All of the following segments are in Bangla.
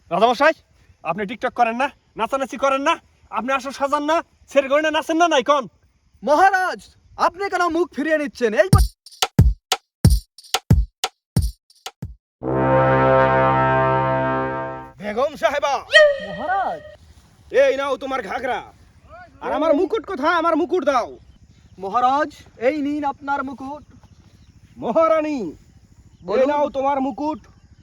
রাজামশাই, আপনি টিকটক করেন না, নাচানাচি করেন না, আপনি আসো সাজান না, ছেড়ে গড়ে নাচেন না নাই কোন? মহারাজ, আপনি কেন মুখ ফিরিয়ে নিচ্ছেন? এই বেগম সাহেবা, মহারাজ, এই নাও তোমার ঘাগরা। আর আমার মুকুট কোথায়? আমার মুকুট দাও। মহারাজ, এই নিন আপনার মুকুট। মহারানী, এই বলুন। নাও তোমার মুকুট।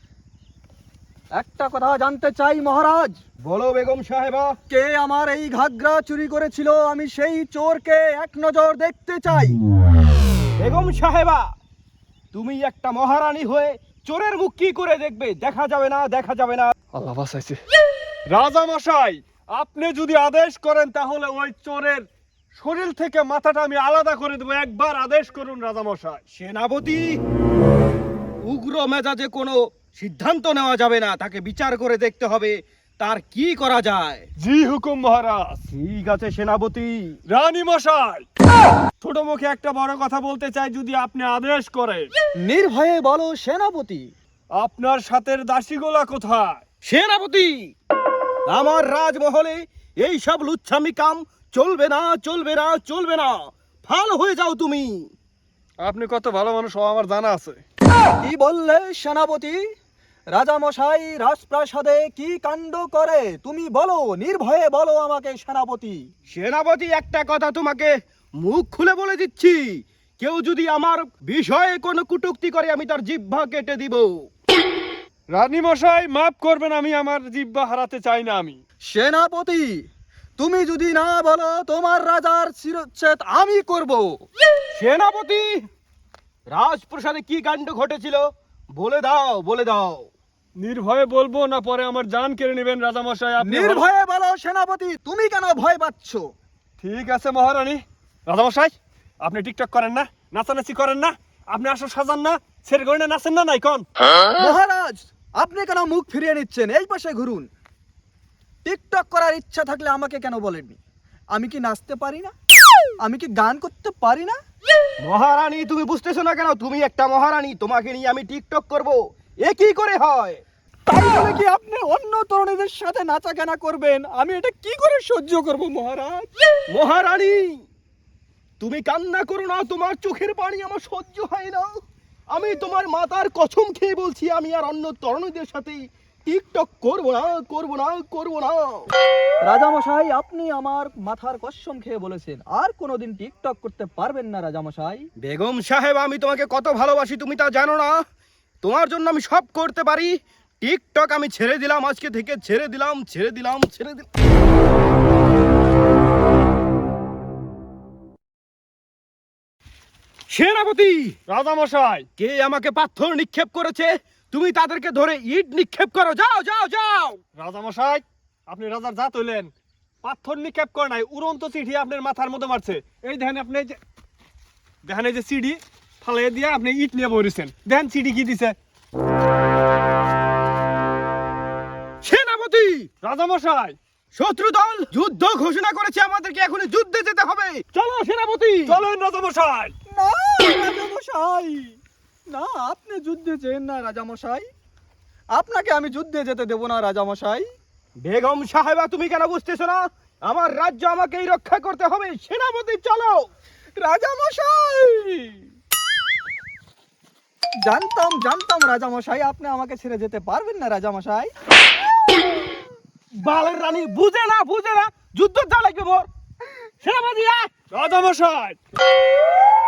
একটা কথা জানতে চাই মহারাজ, বলো বেগম সাহেবা। কে আমার এই ঘাগরা চুরি করেছিল? আমি সেই চোরকে এক নজর দেখতে চাই। বেগম সাহেবা, তুমি একটা মহারানী হয়ে চোরের মুখ কি করে দেখবে? দেখা যাবে না, দেখা যাবে না। আল্লাহ বাঁচাইছে। রাজামশাই, আপনি যদি আদেশ করেন তাহলে ওই চোরের শরীর থেকে মাথাটা আমি আলাদা করে দেবো। একবার আদেশ করুন রাজামশাই। সেনাপতি, উগ্র মেজাজে কোনো সিদ্ধান্ত নেওয়া যাবে না। তাকে বিচার করে দেখতে হবে তার কি করা যায়। জি হুকুম মহারাজ। ঠিক আছে সেনাপতি। রানী মশাই, ছোট মুখে একটা বড় কথা বলতে চাই, যদি আপনি আদেশ করেন। নির্ভয়ে বলো সেনাপতি। আপনার সাথের দাসীগোলা কোথায়? সেনাপতি, আমার রাজমহলে এই সব লুচ্ছামি কাম চলবে না, চলবে না, চলবে না। ভালো হয়ে যাও তুমি। আপনি কত ভালো মানুষ ও আমার জানা আছে। কি বললে সেনাপতি? রাজামশাই রাজপ্রাসাদে কি কাণ্ড করে তুমি বলো, নির্ভয়ে বলো আমাকে সেনাপতি। সেনাপতি, একটা কথা তোমাকে মুখ খুলে বলে দিচ্ছি, কেউ যদি আমার বিষয়ে কোনো কটূক্তি করে আমি তার জিহ্বা কেটে দিব। রানী মশাই মাফ করবেন, আমি আমার জিহ্বা হারাতে চাই না আমি। সেনাপতি, তুমি যদি না বলো তোমার রাজার শিরচ্ছেদ আমি করব। সেনাপতি, রাজপ্রাসাদে কি কাণ্ড ঘটেছিল বলে দাও, বলে দাও। নির্ভয়ে বলবো না পরে আমার জান কেড়ে নেবেন রাজামশাই। আপনি নির্ভয়ে বলো সেনাপতি, তুমি কেন ভয় পাচ্ছ? ঠিক আছে মহারানী। রাজামশাই, আপনি টিকটক করেন না, নাচানাচি করেন না, আপনি আসো সাজান না, ছেড়ে গড়ে নাচেন না নাই কোন? মহারাজ, আপনি কেন মুখ ফিরিয়ে নিচ্ছেন? এই পাশে ঘুরুন। টিকটক করার ইচ্ছা থাকলে আমাকে কেন বলেননি? আমি কি নাচতে পারি না? আমি কি গান করতে পারি না? মহারানী, তুমি বুঝতেছো না কেন? তুমি একটা মহারানী, তোমাকে নিয়ে আমি টিকটক করব, এ কি করে হয়? তাই বলে কি আপনি অন্য তরুণীদের সাথে নাচা কেনা করবেন? আমি এটা কি করে সহ্য করব মহারাজ? মহারানী, তুমি কান্না করো না, তোমার চোখের পানি আমার সহ্য হয় না। আমি তোমার মাতার কসম খেয়ে বলছি, আমি আর অন্য তরুণীদের সাথে টিকটক করব না, করব না, করব না। রাজামশাই, আপনি আমার মাথার কসম খেয়ে বলেছেন আর কোনোদিন টিকটক করতে পারবেন না রাজামশাই। বেগম সাহেব, আমি তোমাকে কত ভালোবাসি তুমি তা জানো না? তোমার জন্য আমি সব করতে পারি। টিকটক আমি ছেড়ে দিলাম, আজকে থেকে ছেড়ে দিলাম, ছেড়ে দিলাম, ছেড়ে দিলাম। সেনাপতি, রাজামশাই, কে আমাকে পাথর নিক্ষেপ করেছে? তুমি তাদেরকে ধরে ইট নিক্ষেপ করো। যাও, যাও, যাও। রাজামশাই, আপনি রাজার জাত হইলেন, পাথর নিক্ষেপ করে নাই, উড়ন্ত চিঠি আপনার মাথার মধ্যে মারছে। এই দেখেন, আপনি এই যে দেখেন, এই যে সিডি ফালাই দিয়ে আপনি ইট নিয়ে বসেছেন। দেখেন সিডি কি দিছে। সেনাপতি, রাজামশাই, শত্রু দল যুদ্ধ ঘোষণা করেছে, আমাদেরকে এখনই যুদ্ধে যেতে হবে। চলো সেনাপতি। চলেন রাজামশাই। না রাজামশাই, না, আপনি যুদ্ধে যেন না রাজামশাই। আপনাকে আমি যুদ্ধে যেতে দেব না রাজামশাই। বেগম সাহেবা, তুমি কেন বুঝতেছো না? আমার রাজ্য আমাকেই রক্ষা করতে হবে। সেনাপতি, চলো। রাজামশাই, জানতাম জানতাম রাজামশাই আপনি আমাকে ছেড়ে যেতে পারবেন না রাজামশাই। বালের রানী বুঝে না, বুঝে না, যুদ্ধ যা লাগবে মোর। সেনাপতি, রাজামশাই,